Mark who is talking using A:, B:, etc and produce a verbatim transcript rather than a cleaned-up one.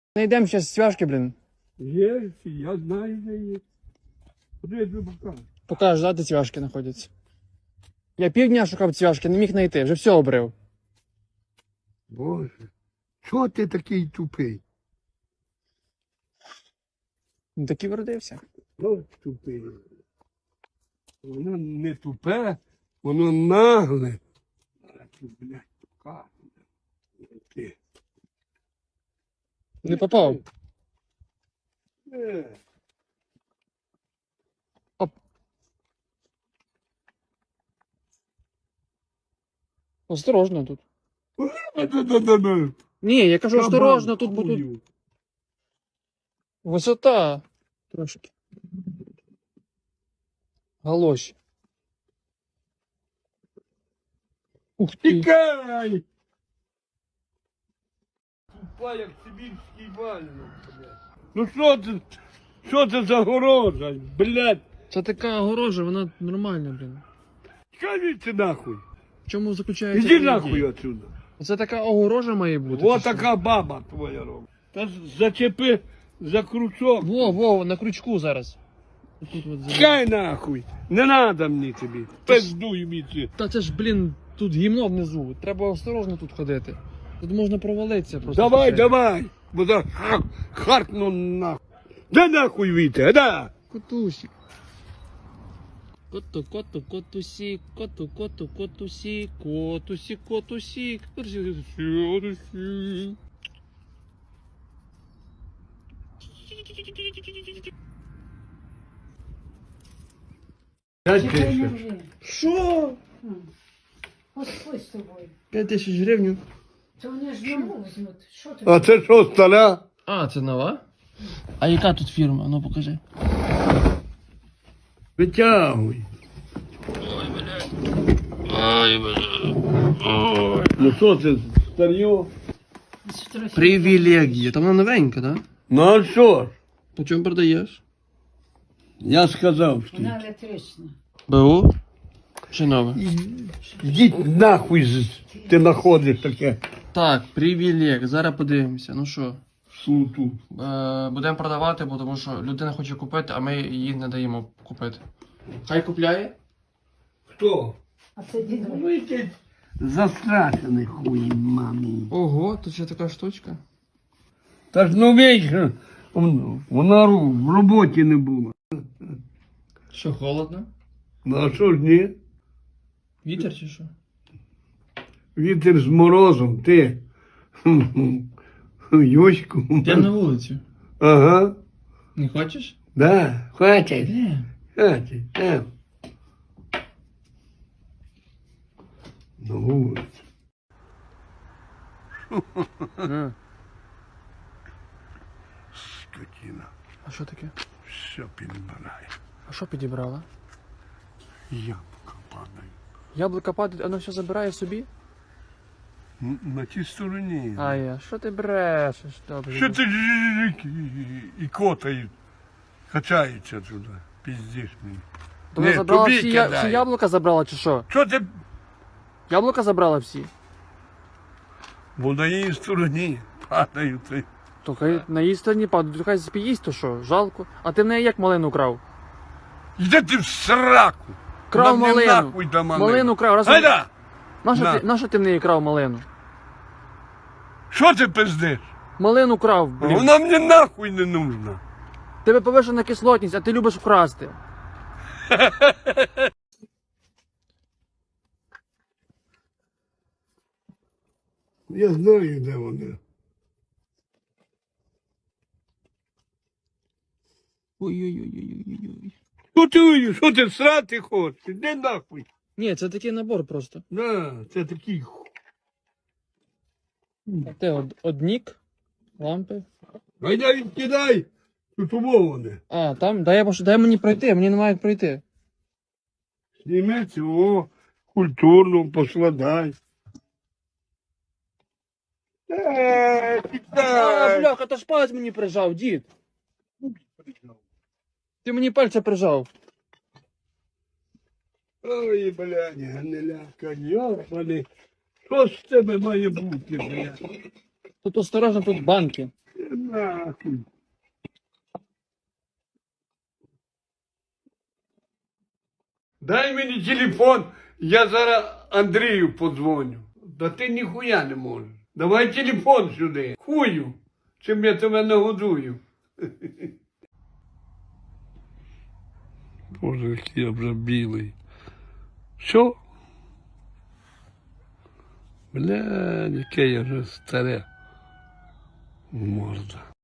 A: Найдемо зараз цвяшки, блін.
B: Є, я знаю, де є. Куди я тобі покажу?
A: Покажеш, да, де цвяшки знаходяться. Я півдня шукав цвяшки, не міг знайти, вже все обрив.
B: Боже, чого ти такий тупий?
A: Ну так і вродився.
B: Ну, тупий. Воно не тупе, воно нагле. А ти, блядь, покажу. Ти.
A: Не попав.
B: Е.
A: Оп. Осторожно тут.
B: Да-да-да-да.
A: Ні, я кажу,
B: Кабан
A: осторожно, тут будуть.
B: хую.
A: Висота. Трошки. Галоші. Ух ти.
B: Тікай! Тупа, як сибірський вальник, блядь. Ну що це, що це за горожа, блядь?
A: Це така огорожа, вона нормальна, блін.
B: Скажіть нахуй.
A: В чому заключається?
B: Іди
A: її
B: нахуй
A: дія?
B: отсюда.
A: Це така огорожа має бути.
B: Вот
A: чи що?
B: така баба твоя робить. Та зачепи за крючок.
A: Во, во, на крючку зараз. Тут от зараз.
B: Чекай нахуй. Не надо мені тобі. Пиздуй мені.
A: Та це ж, блін, тут гімно внизу. Треба осторожно тут ходити. Тут можна провалитися просто.
B: Давай,
A: Це-
B: давай. Бо за харкну нахуй. Да нахуй віте, да.
A: Котусик. Коту, коту, котусік, коту, коту, котусік, котусік, котусік, котусік, котусік.
B: П'ять тисяч.
A: Що?
C: Господь з тобою.
A: П'ять тисяч гривень.
C: То вони ж нову візьмуть. Що ти?
B: А це що, стара?
A: А, це нова? А яка тут фірма? Ну покажи.
B: Витягуй.
A: Ой, бля.
B: Ну що це, старьо?
A: Привілегія. Там вона новенька, так? Да?
B: Ну а що ж?
A: По чому продаєш?
B: Я сказав, що.
C: Вона електрична.
A: БУ? Чи нове?
B: Йдіть нахуй, з- ти знаходиш таке
A: Так, привілег. Зараз подивимося. Ну що?
B: суту.
A: Е, будемо продавати, бо тому що людина хоче купити, а ми їй не даємо купити. Хай купляє?
B: Хто?
C: А це дідо.
B: Ну якийсь застрашений хуй, мамі.
A: Ого, тут ще така штучка.
B: Та ж ну вечір, вона ру- в роботі не була.
A: Що, холодно?
B: Ну а що ж ні?
A: Вітер чи що?
B: Вітер з морозом, ти. Йоську.
A: Йдемо на вулицю.
B: Ага.
A: Не хочеш?
B: Да, хватить.
A: Де?
B: Хватить. Там. На вулицю.
A: А,
B: Скотина.
A: а що таке?
B: Все підбирає.
A: А що підібрала?
B: Яблука падають.
A: Яблука падає, воно все забирає собі?
B: Н- На тій стороні.
A: А я, що ти брешеш? Добре.
B: Що ти жик і котають, качаються туди, піздиш мені.
A: То вона
B: Ні,
A: забрала
B: тобі
A: всі, я...
B: кидай.
A: всі яблука забрала чи що?
B: Що ти?
A: Яблука забрала всі?
B: Бо на її стороні падають. ти.
A: То хай на її стороні падають, то хай спіїсть, то що, жалко. А ти в неї як малину крав?
B: Йди ти в сраку.
A: Крав
B: Нам не
A: малину.
B: нахуй до малину.
A: Малину крав. Раз...
B: Гайда!
A: Нащо
B: На.
A: ти, нащо ти в неї крав малину?
B: Що ти пиздиш?
A: Малину крав, блін.
B: Вона мені нахуй не нужна.
A: Тебе повишена кислотність, а ти любиш вкрасти.
B: Я знаю, де вони.
A: Ой-ой-ой-ой-ой-ой.
B: Що ти, що ти срати хочеш? Іди нахуй.
A: Ні, це такий набор просто.
B: На, це такий ху.
A: А те од, однік, лампи.
B: Гайда відкидай. Тут умоване.
A: А, там, дай, я пош- дай мені пройти, мені немає як пройти.
B: Зніми цього, культурно поскладай. Е,
A: А,
B: тікай.
A: бляха, то ж палець мені прижав, дід. Ти мені пальця прижав.
B: Ой, блядь, гниляка, йобаний. Що з тебе має бути, блядь?
A: Тут осторожно, тут банки.
B: нахуй. Дай мені телефон, я зараз Андрію подзвоню. Да ти ніхуя не можеш. Давай телефон сюди. Хую, чим я тебе нагодую. Боже, який я вже білий. Що? Бля, яке я вже старе. Морда.